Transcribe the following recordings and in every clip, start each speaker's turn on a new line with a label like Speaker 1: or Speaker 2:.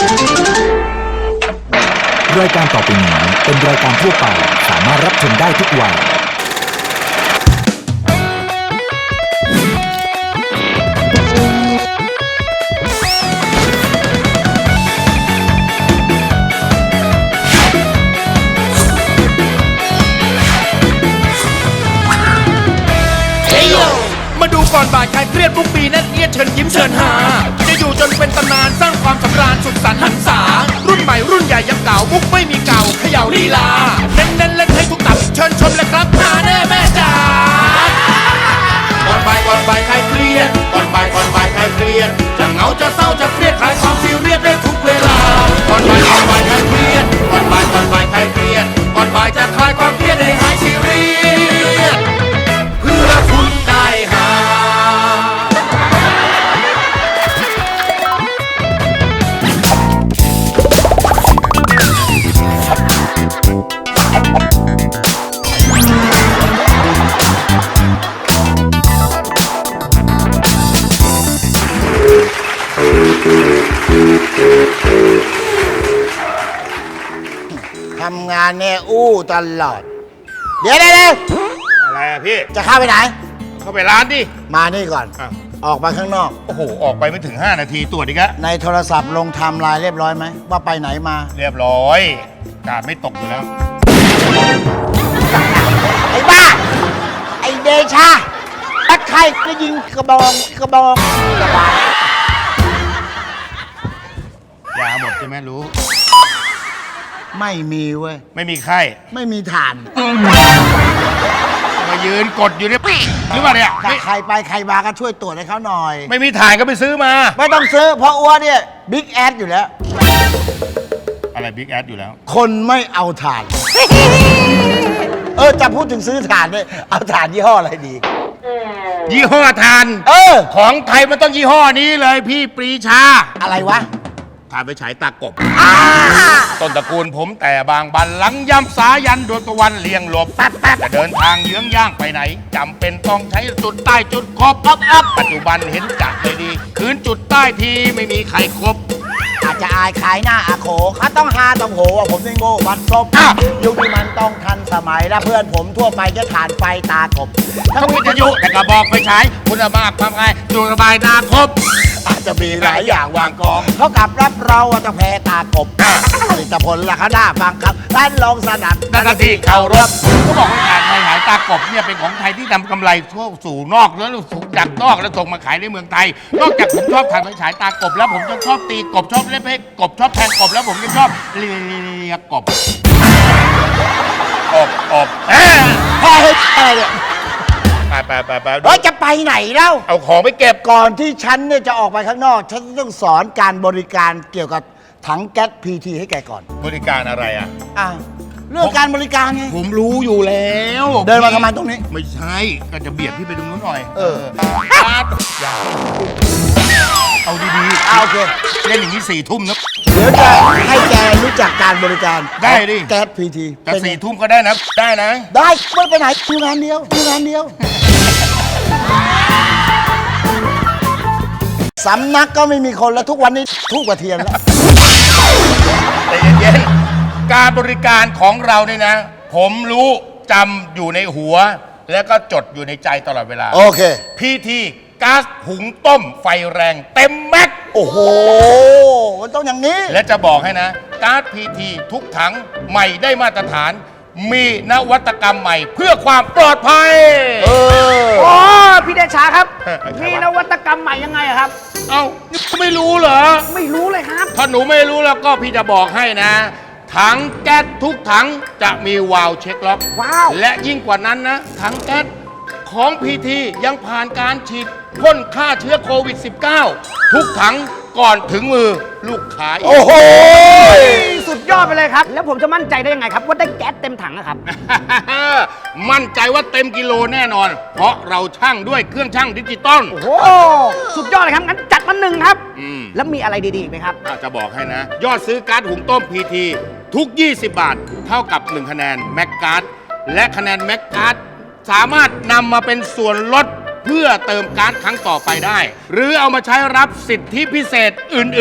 Speaker 1: รายการต่อไปนี้เป็นรายการทั่วไปสามารถรับชมได้ทุกวัย
Speaker 2: มาดูก่อนบ่ายใครเครียดทุกปีนั่นเอียดเชิญยิ้มเชิญหาจะอยู่จนเป็นตำนานสร้างความสำราญสุดสันต์หันษารุ่นใหม่รุ่นใหญ่ยังเก่ามุกไม่มีเก่าเขย่าลีลาเน้นเล่นให้ทุกตับเชิญชมเลยครับหาแน่แม่จ๋าก่อนบ่ายใครเครียดก่อนบ่ายใครเครียดจะเหงาจะเศร้าจะเครียดคลายความซีเรียสได้ทุกเวลาก่อนบ่ายใครเครียดก่อนบ่ายใครเครียดก่อนบ่ายจะคลายความเครียดให้หายซีเรียสเพื่อคุณได้หา
Speaker 3: ทำงานเนี่ยอู้ตลอด เดี๋ยว
Speaker 2: อะไรอะพี่
Speaker 3: จะเข้าไปไหน
Speaker 2: เข้าไปร้านดิ
Speaker 3: มานี่ก่อน
Speaker 2: อ้าว
Speaker 3: ออกมาข้างนอก
Speaker 2: โอ้โห ออกไปไม่ถึง 5 นาทีตรวจอีกแล้ว
Speaker 3: ในโทรศัพท์ลงไทม์ไลน์เรียบร้อยไหม ว่าไปไหนมา
Speaker 2: เรียบร้อยกาดไม่ตกอยู่แล้ว
Speaker 3: ไอ้บ้า ไอ้เดชาตะไคร่ก็ยิงกระบองกระบา
Speaker 2: ยาหมดใช่ไหมรู้
Speaker 3: ไม่มีเว้ย
Speaker 2: ไม่มีไข้
Speaker 3: ไม่มีฐาน
Speaker 2: มายืนกดอยู่เนี่ยหรือเปล่าเนี่ย
Speaker 3: ถ้าใครไปใครมาก็ช่วยตรวจให้เขาหน่อย
Speaker 2: ไม่มีถ่านก็ไปซื้อมา
Speaker 3: ไม่ต้องซื้อเพราะอ้วนเนี่ยบิ๊กแอดอยู่แล้ว
Speaker 2: อะไรบิ๊กแอดอยู่แล้ว
Speaker 3: คนไม่เอาถ่าน จะพูดถึงซื้อถ่านเนี่ยเอาถ่านยี่ห้ออะไรดี
Speaker 2: ยี่ห้อถ่าน ของไทยมันต้องยี่ห้อนี้เลยพี่ปรีชา
Speaker 3: อะไรวะ
Speaker 2: ถ่านไปฉายตากบ ต้นตระกูลผมแต่บางบันหลังย่ำสายันดวงตะวันเลี่ยงหลบจะเดินทางเยื้องย่างไปไหนจำเป็นต้องใช้จุดใต้จุดครบปัจจุบันเห็นจัดเลยดี คืนจุดใต้ทีไม่มีใครครบ
Speaker 3: อาจจะอายขายหน้าอาโขเขาต้องหาต้องโหว่าผมนี่โง่บัดซบ
Speaker 2: อ้าว
Speaker 3: ยุคนี้มันต้องทันสมัยและเพื่อนผมทั่วไปจะฐานไฟตากบ
Speaker 2: ทั้งวิทยุแต่กระบอกไฟฉายคุณภาพความง่ายดูสบายนาครบ
Speaker 3: อาจจะมีหลายอย่างวางกองเขากลับรับเราว่าจะแพ้ตากบผลิตผลราคาหน้าฟังครับร้านลองสนับ
Speaker 2: นั่นก็ที่เคารพก็บอกว่าการหายตากบเนี่ยเป็นของไทยที่นำกำไรทั่วสู่นอกแล้วส่งจากนอกแล้วส่งมาขายในเมืองไทย นอกจากผมชอบทานไฟฉายตากบแล้วผมจะชอบตีกบชอบเล่นเพลงกบชอบแทงกบแล้วผมจะชอบเลียกบ
Speaker 3: พ่อเฮ้ยอะไรเนี่ย
Speaker 2: ไป
Speaker 3: จะไปไหนเล่า
Speaker 2: เอาของไปเก็บ
Speaker 3: ก่อนที่ฉันเนี่ยจะออกไปข้างนอก ฉันต้องสอนการบริการเกี่ยวกับถังแก๊สพีทีให้แกก่อน
Speaker 2: บริการอะไรอ่ะ
Speaker 3: เรื่องการบริการไง
Speaker 2: ผมรู้อยู่แล้ว
Speaker 3: เดินมาทำไมตรงนี้
Speaker 2: ไม่ใช่ก็จะเบียดพี่ไปตรงนู้นหน่อย อย่าเอาดีๆ
Speaker 3: โอเค
Speaker 2: เล่นอย่างนี้4 ทุ่มนะ
Speaker 3: เดี๋ยวจะให้แกรู้จักการบริการ
Speaker 2: ได้ดิ
Speaker 3: แก๊สพีที
Speaker 2: แต่4 ทุ่มก็ได้นะ ได้นะ
Speaker 3: ได้ไม่ไปไหนอยู่งานเดียวสำนักก็ไม่มีคนแล้วทุกวันนี้ทุกกว่าเทียนแล้ว
Speaker 2: แต่เย็นๆการบริการของเราเนี่ยนะ ผมรู้จำอยู่ในหัว แล้วก็จดอยู่ในใจตลอดเวลา
Speaker 3: โอเค
Speaker 2: พีทีก๊าซหุงต้มไฟแรงเต็มแม็กซ์
Speaker 3: โอ้โหมันต้องอย่างนี้
Speaker 2: และจะบอกให้นะก๊าซพีทีทุกถังใหม่ได้มาตรฐาน มีนวัตกรรมใหม่เพื่อความปลอดภัย
Speaker 4: อ๋อพี่เดชาครับ
Speaker 2: ใครวะ
Speaker 4: มีนวัตกรรมใหม่ยังไงอะครับ
Speaker 2: เอ้านี่ไม่รู้เหรอ
Speaker 4: ไม่รู้เลยครับ
Speaker 2: ถ้าหนูไม่รู้แล้วก็พี่จะบอกให้นะ ถังแก๊สทุกถังจะมีวาล์วเช็คล็อก
Speaker 4: ว้าว
Speaker 2: และยิ่งกว่านั้นนะ ถังแก๊สของพีทียังผ่านการฉีดพ่นฆ่าเชื้อโควิด -19 ทุกถังก่อนถึงมือลูกค้าอีก
Speaker 3: โอ้โห
Speaker 4: สุดยอดไปเลยครับ แล้วผมจะมั่นใจได้ยังไงครับ ว่าได้แก๊สเต็มถังอะครับ
Speaker 2: มั่นใจว่าเต็มกิโลแน่นอน เพราะเราชั่งด้วยเครื่องชั่งดิจิตอล
Speaker 4: โอ้โห สุดยอดเลยครับ งั้นจัดมา1ครับ
Speaker 2: อืม
Speaker 4: แล้วมีอะไรดีๆอีกไหมครับ
Speaker 2: จะบอกให้นะ ยอดซื้อการ์ดหุงต้มพีทีทุก 20 บาท เท่ากับ1คะแนนแม็กการ์ดและคะแนนแม็กการ์ดสามารถนำมาเป็นส่วนลดเพื่อเติมการ์ดครั้งต่อไปได้ หรือเอามาใช้รับสิทธิพิเศษอื่น ๆ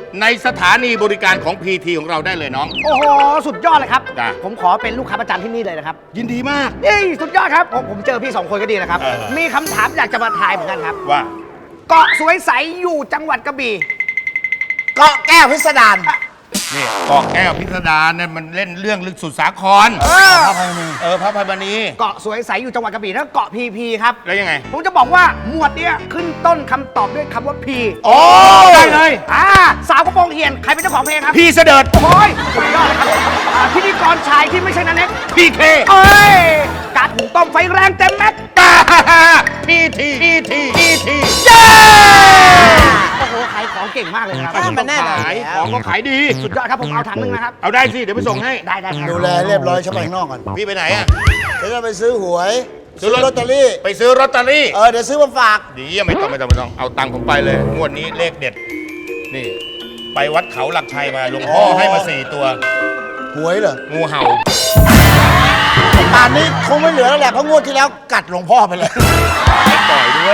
Speaker 2: ในสถานีบริการของ PT ของเราได้เลยน้อง
Speaker 4: โอ้โห สุดยอดเลยครับ
Speaker 2: จ้ะ
Speaker 4: ผมขอเป็นลูกค้าประจำที่นี่เลยนะครับ
Speaker 2: ยินดีมาก
Speaker 4: นี่สุดยอดครับ ผมเจอพี่ 2 คนก็ดีนะครับ มีคำถามอยากจะมาทายเหมือนกันครับ
Speaker 2: ว่า
Speaker 4: เกาะสวยใสอยู่จังหวัดกระบี่
Speaker 3: เกาะแก้วพิสดาร
Speaker 2: นี่เกาะแก้วพิสดารเนี่ยมันเล่นเรื่องลึกสุดสาคร
Speaker 3: พระภัยมณี
Speaker 2: พระภัยมณี
Speaker 4: เกาะสวยใสอยู่จังหวัดกระบี่แล้วเกาะพีพีครับ
Speaker 2: แล้วยังไง
Speaker 4: ผมจะบอกว่าหมวดเนี้ยขึ้นต้นคำตอบด้วยคำว่าพี
Speaker 2: โอ้ได้เลย
Speaker 4: สาวกระโปรงเหียนใครเป็นเจ้าของเพลงครับ
Speaker 2: พี่เสด็จ
Speaker 4: โอ้ยสุดยอดเลยครับพิธีกรชายที่ไม่ใช่นันเน็ก
Speaker 2: พี่เค
Speaker 4: เอ้ยกาดหุงต้มไฟแรงเต็มแม็ก
Speaker 2: พี่ทีเย้
Speaker 4: โอ้โหขายของเก่งมากเลยนะครับ
Speaker 3: มันแน่นอน
Speaker 2: ขาย
Speaker 3: แล้ว
Speaker 2: ของก็ขายดี
Speaker 4: สุดยอดครับผมเอาถังหนึงนะครับ
Speaker 2: เอาได้สิ เดี๋ยวไปส่งให้
Speaker 4: ได้ครับ
Speaker 3: ดูแลเรียบร้อยฉันไปข้างนอกก่อน
Speaker 2: พี่ไปไหนอ่ะ
Speaker 3: เดี๋ยวจะไปซื้อหวย
Speaker 2: ซื้
Speaker 3: ซื้
Speaker 2: อ
Speaker 3: อ
Speaker 2: ล
Speaker 3: ล
Speaker 2: อ
Speaker 3: อ
Speaker 2: ต
Speaker 3: ต
Speaker 2: เต
Speaker 3: เต
Speaker 2: อ
Speaker 3: อ
Speaker 2: รี่
Speaker 3: รี่
Speaker 2: ไปซื้อลอตเตอรี่
Speaker 3: เดี๋ยวซื้อมาฝาก
Speaker 2: ดีไม่ต้องเอาตังค์ผมไปเลย งวดนี้เลขเด็ด นี่ ไปวัดเขาหลักชัยมาหลวงพ่อให้มา4 ตัว
Speaker 3: หวยเหรอ
Speaker 2: งูเห่า
Speaker 3: ป่านนี้คงไม่เหลือแล้วแหละ เพราะงวดที่แล้วกัดหลวงพ่อไปเลย
Speaker 2: ปล่อยด้วย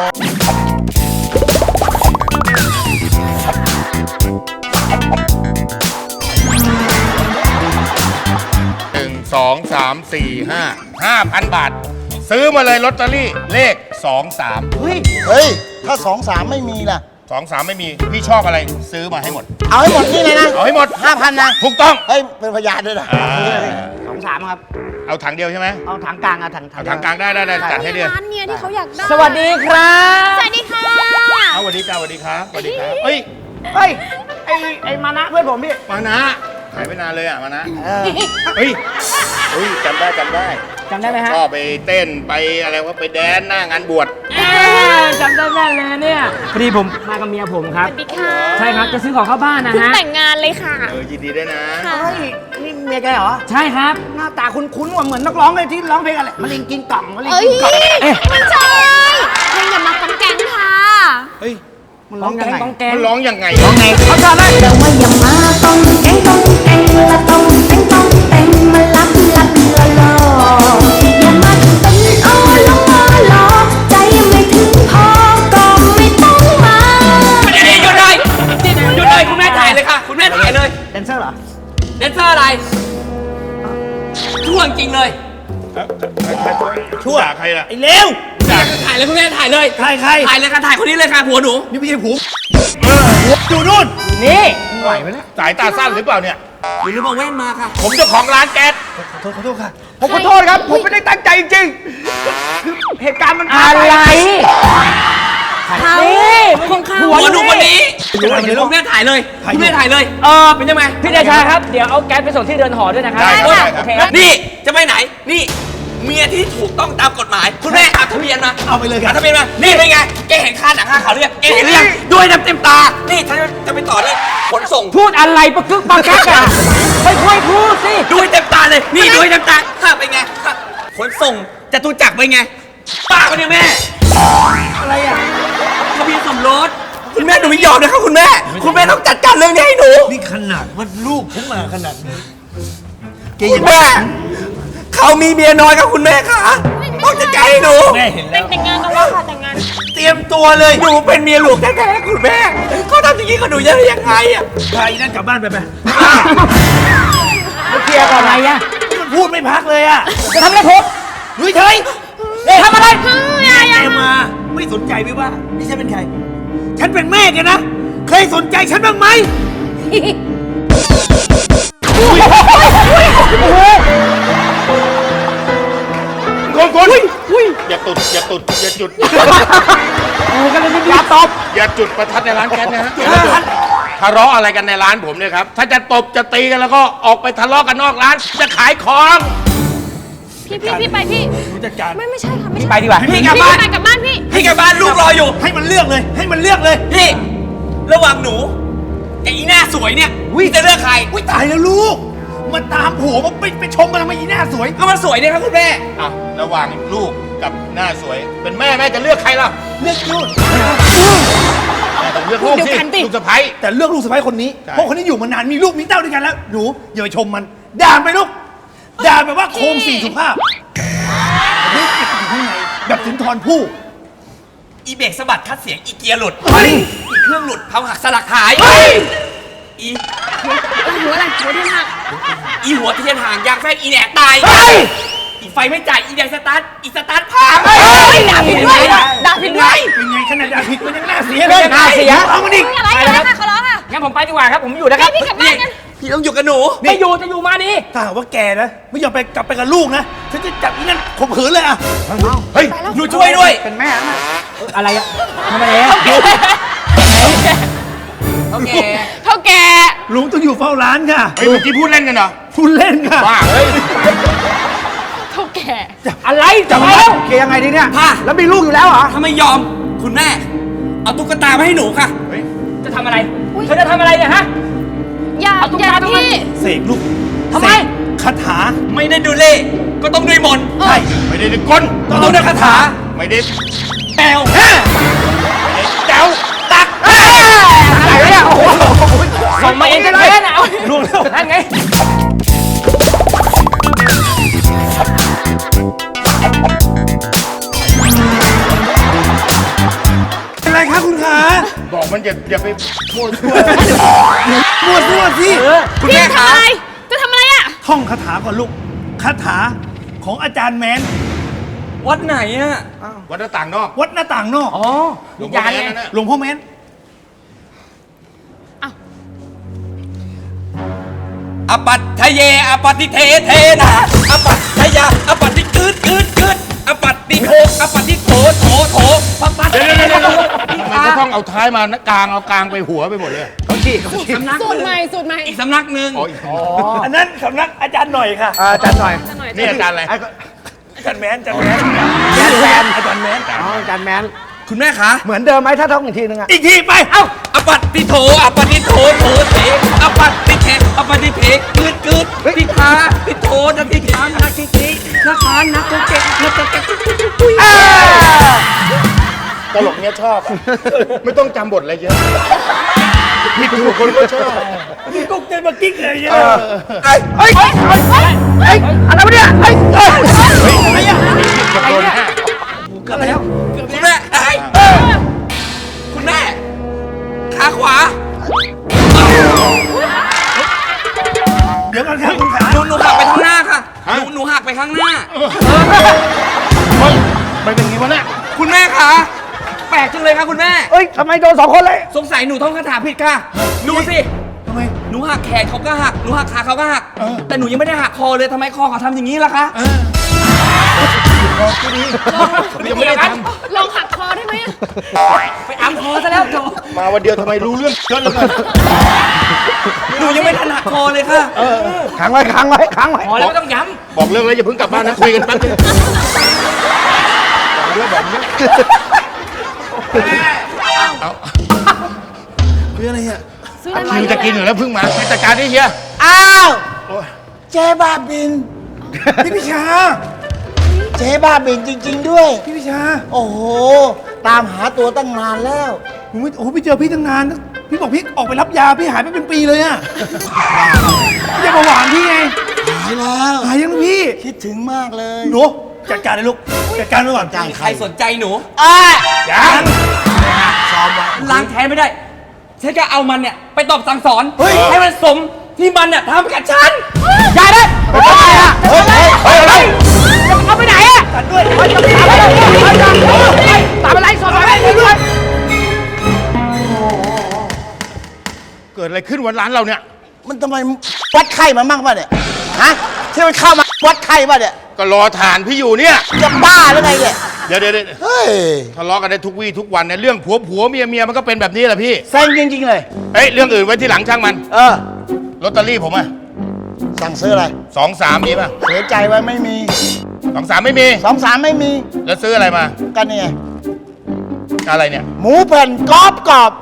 Speaker 2: 5,000 บาท ซื้อมาเลยลอตเตอรี่เลข 23
Speaker 4: เฮ้ย
Speaker 3: เฮ้ย ถ้า2-3ไม่มีล่ะ
Speaker 2: 23 ไม่มี พี่ชอบอะไรซื้อมาให้หมด
Speaker 3: เอาให้หมดนี่เลยนะ
Speaker 2: เอาให้หมด
Speaker 3: 5,000 นะ
Speaker 2: ถูกต้อง
Speaker 3: เฮ้ย เป็นพยานด้วยนะ
Speaker 4: 2-3ครับ
Speaker 2: เอาถังเดียวใช่ไหม
Speaker 4: เอาถังกลางเอาถัง
Speaker 2: เอาถังกลางได้จัดให้เดียว
Speaker 5: ร้านเนี่ยที่เขาอยากได้
Speaker 4: สวัสดีครับ
Speaker 5: สวัสดีค่ะ
Speaker 2: เอาสวัสดีจ้าสวัสดีครับสวัสดีครับเฮ้ย
Speaker 4: เฮ้ยไอ้มานะเพื่อนผมพี่
Speaker 2: มานะหายไปนานเลยอ่ะมานะ
Speaker 4: เออ
Speaker 2: เฮ้ยจำได้
Speaker 4: จำได้ไหมฮะ
Speaker 2: ชอบไปเต้นไปอะไรว่าไปแดนหน้างานบวช
Speaker 6: จำได้แม่นเลยเนี่ยพอดีผมมากับเมียผมครับ
Speaker 5: สวัสดีค่ะ
Speaker 6: ใช่ครับ จะซื้อของเข้าบ้านนะ
Speaker 5: เพิ่ง
Speaker 6: ฮะ
Speaker 5: แต่งงานเลยค่ะ
Speaker 2: ยินดีด้วยนะ
Speaker 5: ค่ะ
Speaker 4: เฮ้ยนี่เมียแกเหรอ
Speaker 6: ใช่ครับ
Speaker 4: หน้าตาคุ้นๆว่าเหมือนนักร้องเลยที่ร้องเพลงอะไรมะเร็งกินกล่องมะเร็ง
Speaker 5: เอ้ย
Speaker 4: กินกล่อง
Speaker 5: มันใช่เพลงอย่ามากังแกงค่ะ
Speaker 2: เฮ้ย
Speaker 4: มันร้องยังไง
Speaker 6: ต้องแกง
Speaker 2: มันร้องยังไง
Speaker 4: ร้องไงเขาจะได้
Speaker 7: แต่ว่าอย่ามาต้องแกงละต้องแตงมาลับละลออย่ามาเป็นอ้อลอใจไม่ถึงพอก็ไม่ต้องมา
Speaker 6: หยุดเลยคุณแม่ถ่ายเลยค่ะ คุณแม่ถ่ายเลย
Speaker 4: แดนเซอร์เหรอ
Speaker 6: แดนเซอร์อะไรช่วงจริงเลย
Speaker 2: ชั่วใครล่ะ
Speaker 6: ไอ้เลวถ่ายเลยคุณแม่ถ่ายเลย
Speaker 4: ใคร
Speaker 6: ถ่ายเลยค่ะถ่ายคนนี้เลยค่ะผัวหนู
Speaker 4: นี่ไม่ใช่ผม
Speaker 2: อยู่นู่น
Speaker 6: นี่
Speaker 4: ไหวไหมเนี่ย
Speaker 2: สายตาสั้นหรือเปล่าเนี่ย
Speaker 6: หรือมาแว่นมาค่ะ
Speaker 2: ผมเจ้าของร้านแก๊ส
Speaker 4: ผมขอโทษครับ ผมไม่ได้ตั้งใจจริงๆคือเหตุการณ์มันผ่าน
Speaker 6: อะไร
Speaker 4: ไป
Speaker 5: เขาของเขา
Speaker 6: ผัวหนูคนนี้คุณแม่ถ่ายเลยคุณแม่ถ่ายเลยเป็นยังไงพี่เดชาครับ เดี๋ยวเอาแก๊สไปส่งที่เรือนหอด้วยนะครับ
Speaker 2: ได้ครับ
Speaker 6: โอเคครับนี่จะไปไหนนี่เมียที่ถูกต้องตามกฎหมาย คุณแม่เอาทะเบียนมา
Speaker 4: เอาไปเลยค
Speaker 6: เอา
Speaker 4: รับ
Speaker 6: ทะเบียนมานี่เป็นไงแกเห็นค่าหนังค่าเขาวหรือยังแกเห็นหรือยังด้วยน้ำเต็มตานี่ฉันจะไปต่อที่ขนส่ง
Speaker 8: พูดอะไรปะกึกปะกักอ่ะค่อยๆพูดสิ
Speaker 6: ด้วยเต็มตาเลยนี่ด้วยเต็มตาค่าเป็นไงค่าขนส่งจตุจักรเป็นไงป้าคนนี้แม่
Speaker 4: อะไรอ่ะ
Speaker 6: ทะเบียนสมรสคุณแม่หนูไม่ยอมนะครับคุณแม่ต้องจัดการเรื่องนี้ให้หนู
Speaker 3: นี่ขนาดว่าลูกผมมาขนาดนี้
Speaker 6: คุณแม่เขามีเมียน้อยครับคุณแม่ค่ะต้องจัดการให้หนู
Speaker 5: แต่งงานกันแล้วค่ะแต่งงาน
Speaker 6: เตรียมตัวเลยหนูเป็นเมียหลวงแท้ๆคุณแม่เขาทำอย่างนี้กับหนูได้ยังไงอ่ะ
Speaker 3: ใครนั่นกลับบ้านไป
Speaker 8: เคลียร์ก่อนอะไรอ่ะ
Speaker 3: มันพูดไม่พักเลยอ่ะ
Speaker 8: จะทำอะไรผม
Speaker 3: ลุยเฉย
Speaker 8: ทำอะไร
Speaker 3: แกมา ไม่สนใจไหมว่า นี่ฉันเป็นใคร ฉันเป็นแม่แกนะ เคยสนใจฉันบ้างไหม
Speaker 2: คนอย่าจุดอย่าจุดอย่าจุดประทัดในร้านแก๊สนะฮะทะเลาะอะไรกันในร้านผมเนี่ยครับ ถ้าจะตบจะตีกันแล้วก็ออกไปทะเลาะกันนอกร้าน จะขายของ
Speaker 5: พี่ไปพี่ไม่ใช่ค่ะไม่ใช่
Speaker 8: ไปดีกว่า
Speaker 6: พี่กลับบ้าน
Speaker 5: ไปกลับบ้านพี่
Speaker 6: พี่กลับบ้านลูกรออยู่
Speaker 3: ให้มันเลือกเลย ให้มันเลือกเลย
Speaker 6: พี่ระหว่างหนูกับอีหน้าสวยเนี่ยพี่จะเลือกใคร
Speaker 3: อุ้ยตายแล้วลูก มันตามผัวมันไปชมมันทำไมอีหน้าสวย
Speaker 6: ก็มันสวยเนี่ยครับคุณแม่
Speaker 2: อ่ะระหว่างลูกกับหน้าสวย เป็นแม่จะเลือกใครล่ะ
Speaker 3: เลือกลูก
Speaker 2: แม่ต้องเลือกลูกสิลูกสะใภ้
Speaker 3: แต่เลือกลูกสะใภ้คนนี้
Speaker 2: ใช่
Speaker 3: เพราะคนนี้อยู่มานาน มีลูกมีเต้าด้วยกันแล้ว หนูอย่าไปชมมัน ด่าไปลูก ด่าแบบว่าโคมสี่สุภาพลูกเก็บอยู่ข้างในแบบสุนทรภู่
Speaker 6: อีเบรกสะบัดคัดเสียงอีเกียร์หลุดอีเครื่องหลุดเผาหักสลักหาย
Speaker 5: อะไรหัวที่หัก
Speaker 6: อีหัวที่เทียนห่างยางแฟนอีแหนกตายอีไฟไม่จ่ายอีแดงสตาร์ทอีสตาร์ทพัง
Speaker 5: ด่าผิดด้วยด่าผิดด้วย
Speaker 3: เป็นไงขนาดด่าผิดมันยังน่าเสียเลย
Speaker 8: น่าเสีย
Speaker 3: เอามาดิ
Speaker 5: อะไรกันนะคะขอร้องค่ะ
Speaker 6: งั้นผมไปดีกว่าครับผมอยู่นะครับ
Speaker 5: พี่กลับบ้านกัน
Speaker 6: พี่ต้องอยู่กับหนู
Speaker 8: ไม่อยู่จะอยู่มาดิ
Speaker 3: ถ้าหากว่าแกนะไม่ยอมไปกลับไปกับลูกนะฉันจะจับอีนั่นข่มขืนเลยอ่ะเฮ้ย
Speaker 6: หนูช่วยด้วย
Speaker 4: เป็นแม่นะ
Speaker 8: อะไรอะทำไมอะ
Speaker 6: โอเค
Speaker 5: เท่าแก่
Speaker 3: ลุงต้องอยู่เฝ้าร้านค่ะ
Speaker 2: เฮ้ยเมื่อกี้พูดเล่นกันเหรอ
Speaker 3: พูดเล่นค่ะ
Speaker 2: บ้าเฮ้ย
Speaker 5: เท่าแก่
Speaker 8: อะไร
Speaker 4: จะ
Speaker 8: จะ
Speaker 4: มา
Speaker 8: มา
Speaker 4: โอเคยังไงดีเนี่ย
Speaker 6: ค่ะ
Speaker 4: แล้วมีลูกอยู่แล้วเหรอ
Speaker 6: ถ้าไม่ยอมคุณแม่ เอาตุ๊กตามาให้หนูค่ะ จะทำอะไร
Speaker 8: เธอจะทำอะไรเนี่ยฮะ
Speaker 5: อย่า
Speaker 8: เอาตุ๊ก
Speaker 5: อย่า
Speaker 8: ตาตรงนั้น
Speaker 5: พี่
Speaker 3: เสกลูก
Speaker 8: ทำไม
Speaker 3: เสกคาถา
Speaker 6: ไม่ได้ดูเล่ก็ต้องด้วยมนต์
Speaker 3: ใช่
Speaker 2: ไม่ได้ดึงกล
Speaker 6: ก็ต้องด้วยคาถา
Speaker 2: ไม่ได้
Speaker 6: แมว
Speaker 2: แจ๋วตัก
Speaker 8: อะไรเนี่ยโอ้โหส่งมาเองจะแพ้นะเอา
Speaker 3: ล่วงแล้ว
Speaker 8: นั่นไง
Speaker 3: เป็นไรคะคุณขา
Speaker 2: บอกมันอย่าไปมั่วซั่ว
Speaker 3: มั่วซั่วสิ
Speaker 6: คุณ
Speaker 5: พี่
Speaker 6: แม่
Speaker 5: จะ
Speaker 6: คะ
Speaker 5: ทำอะไรจะทำอะไรอ่ะ
Speaker 3: ท่องคาถาก่อนลูกคาถาของอาจารย์แมน
Speaker 6: วัดไหนอะ
Speaker 2: วัดหน้าต่างนอก
Speaker 3: วัดหน้าต่างนอก
Speaker 8: อ๋อ
Speaker 2: หลวง
Speaker 8: ยา
Speaker 2: พ่อน แม่
Speaker 8: ไง
Speaker 2: นั่นน่ะ
Speaker 3: หลวงพ่อแมน
Speaker 6: อปัตถเยอปัตติเทเทนะอปัตถยาอปัตติกืดอปัตติโทอปัตติโถโถปะปัต
Speaker 2: เดี๋ยวทำไมจะต้องเอาท้ายมากลางไปหัวไปหมดเลย
Speaker 6: สำนัก
Speaker 5: สูตรใหม่สูตรใหม่
Speaker 6: อีกสำนักหนึ่ง
Speaker 2: อ๋อ
Speaker 3: อันนั้นสำนักอาจารย์หน่อยค่ะ
Speaker 4: อาจารย์หน่อย
Speaker 5: จะหน่อย
Speaker 2: นี่อาจารย์อะไร
Speaker 3: อาจารย์แมนอาจารย์แมน
Speaker 4: แมน
Speaker 3: อาจารย์แมน
Speaker 4: อ๋ออาจารย์แมน
Speaker 6: คุณแม่คะ
Speaker 4: เหมือนเดิมไหมถ้าท่องอีกทีนึงอะ
Speaker 3: อีกทีไป เอ้า
Speaker 6: อปัตติโถอปัตติโถโถเถอปัตติเทอปัตติเทกืดติทาติโถนักติทานักติทินักขานนักเกะนักเกะ
Speaker 2: ตลกเนี้ยชอบอะไม่ต้องจำบทอะไรเยอะผิดถูกคนก็ชอบ
Speaker 3: นี่กุ๊กเจนมากิ๊กเลยเนี่ย
Speaker 4: เฮ้ยเฮ้ยเฮ้ยอะไรวะเนี่ยเฮ้ยเฮ้ย
Speaker 3: อะไรอ่ะ
Speaker 2: กับโดนห้า
Speaker 3: อะไรอ่ะ
Speaker 6: คุณแม่เอ้ยคุณแม่ขาขวา
Speaker 3: เดี๋ยวก่อนครับคุณขา
Speaker 6: หนูหักไปข้างหน้าค่ะหนูหักไปข้างหน้า
Speaker 2: เฮ้ยมันเป็นงี้วะเนี่ย
Speaker 6: คุณแม่คะแปลกจังเลยค่ะคุณแม่
Speaker 4: เฮ้ยทำไมโดนสองคนเลย
Speaker 6: สงสัยหนูท่องคาถาผิดค่ะดูสิ
Speaker 3: ทำไม
Speaker 6: หนูหักแขนเขาก็หักหนูหักขาเขาก็หักแต่หนูยังไม่ได้หักคอเลยทำไมคอเขาทำอย่างนี้ล่ะคะ
Speaker 2: ยังไม่ได้ท
Speaker 5: ลองหักคอได้ไหมอะ
Speaker 6: ไปอัมคอซะแล้วโถ
Speaker 2: ำมาวันเดียวทำไมรู้เรื่องเยอะเหลือเกิน
Speaker 6: หนูยังไม่ทันหักคอเลยค่ะ
Speaker 4: ขังไว้ขังไว้ขังไว้
Speaker 6: พอแล้วไม่ต้องย้
Speaker 2: บอกเรื่องแล้วอย่าเพิ่งกลับบ้านนะคุยกันแป๊บนึงบอกเรื่องแบบนี้เอา
Speaker 3: คืออะไรอ่ะ
Speaker 5: ซื้ออะไร
Speaker 2: คิวจะกินอยู่แล้วเพิ่งมาไปจัดการที่เฮีย
Speaker 9: อ้าวเจ๊บ้าบิน
Speaker 3: พี่พิชา
Speaker 9: เจ๊บ้าบินจริง ๆ ด้วย
Speaker 3: พี่พิชา
Speaker 9: โอ้โห ตามหาตัวตั้งนานแล้ว
Speaker 3: ผมไม่โอ้โหพี่เจอพี่ตั้งนาน พี่บอกพี่ออกไปรับยา พี่หายไปเป็นปีเลยอ่ะพี่จะมาหวานพี่ไง
Speaker 9: หายแล้ว
Speaker 3: หายยังพี่
Speaker 9: คิดถึงมากเลย
Speaker 3: หนูจัดการเลยลูก จัดการไว้ก่อน
Speaker 6: ำใครสนใจหนู
Speaker 3: ยัง
Speaker 6: ล้างแค้นไม่ได้ฉันก็เอามันเนี่ยไปตอบสั่งสอน
Speaker 3: เฮ้ย
Speaker 6: ให้มันสมที่มันเนี่ยทำกับฉัน
Speaker 8: อย่าเลย
Speaker 3: เฮ้ยเฮ้ยเฮ้ยอะไร
Speaker 8: เอาไปไหนอะ
Speaker 3: กันด้วย
Speaker 8: ตามอะไรตามอะไรสอนอะไรด้วย
Speaker 2: เกิดอะไรขึ้นวันร้านเราเนี่ย
Speaker 9: มันทำไมวัดไข้มามั่งป่ะเนี่ย ฮะ ที่มันเข้ามาวัดไข้ป่ะเนี่ย
Speaker 2: ก็รอฐานพี่อยู่เนี่ย
Speaker 9: จะบ้าหรือไงเนี่ย
Speaker 2: เดี๋ยว
Speaker 9: เฮ้ย
Speaker 2: ทะเลาะกันได้ทุกวี่ทุกวันเนี่ยเรื่องผัวเมียมันก็เป็นแบบนี้แหละพี่
Speaker 9: แซงจริง ๆ เลย
Speaker 2: เอ้ยเรื่องอื่นไว้ที่หลังช่างมัน
Speaker 9: เออ
Speaker 2: ลอตเตอรี่ผมอะ
Speaker 9: สั่งซื้ออะไร
Speaker 2: 23มีป่ะ
Speaker 9: เสียใจไว้ไม่มี
Speaker 2: 23ไม่มี
Speaker 9: 23 ไม่มี
Speaker 2: แล้วซื้ออะไรมา
Speaker 9: กันเนี่ย
Speaker 2: อะไรเนี่ย
Speaker 9: หมูแผ่นกรอบกรอบ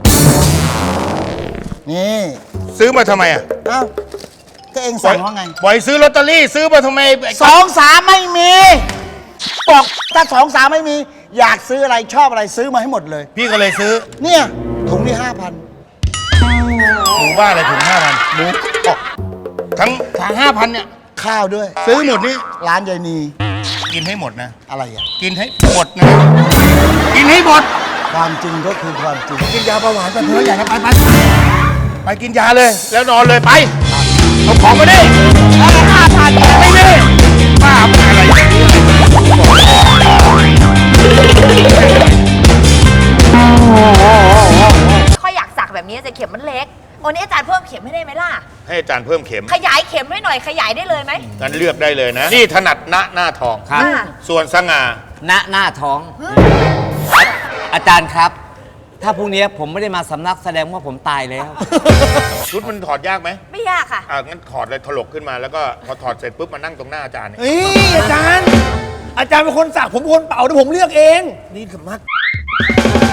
Speaker 9: นี่
Speaker 2: ซื้อมาทำไมอะ
Speaker 9: เอ้า ก็เองสั่งว่าไง
Speaker 2: บ่อยซื้อลอตเตอรี่ซื้อมาทำไม
Speaker 9: 23 ไม่มี บอกถ้า23 ไม่มี อยากซื้ออะไรชอบอะไรซื้อมาให้หมดเลย
Speaker 2: พี่ก็เลยซื้อ
Speaker 9: เนี่ยถุงที่ 5,000
Speaker 2: หมูบ้าอะไรถึง5,000หมูทั้ง5,000เนี่ย
Speaker 9: ข้าวด้วย
Speaker 2: ซื้อหมดนี่
Speaker 9: ร้านยายนี
Speaker 2: กินให้หมดนะ
Speaker 9: อะไรอ่ะ
Speaker 2: กินให้หมดนะ กินให้หมด
Speaker 9: ความจริงก็คือความจริง
Speaker 2: กินยาเบาหวานไปเถอะอย่าไปกินยาเลย แล้วนอนเลยไปของมาดิ5,000ไม่มีบ้าอะไร
Speaker 10: ค่อยอยากสักแบบนี้แต่เข็มมันเล็กโอ้นี่อาจารย์เพิ่มเข็มให้ได้ไหมล่ะ
Speaker 2: ให้อาจารย์เพิ่มเข็ม
Speaker 10: ขยายเข็มให้หน่อยขยายได้เลยไหม
Speaker 2: งั้นเลือกได้เลยนะ นี่ถนัดหน้าทอง
Speaker 10: ครับ
Speaker 2: ส่วนสง่า
Speaker 6: หน้าท้อง อาจารย์ครับ ถ้าพรุ่งนี้ผมไม่ได้มาสำนักแสดงว่าผมตายแล้ว
Speaker 2: ชุดมันถอดยากไหม
Speaker 10: ไม่ยากค่ะ
Speaker 2: งั้นถอดเลยถลกขึ้นมาแล้วก็พอถอดเสร็จปุ๊บมานั่งตรงหน้าอาจารย์เนี่ย
Speaker 3: เฮ้ยอาจารย์เป็นคนสักผมเป็นคนเป่าเดี๋ยวผมเลือกเอง
Speaker 2: นี่คือมัด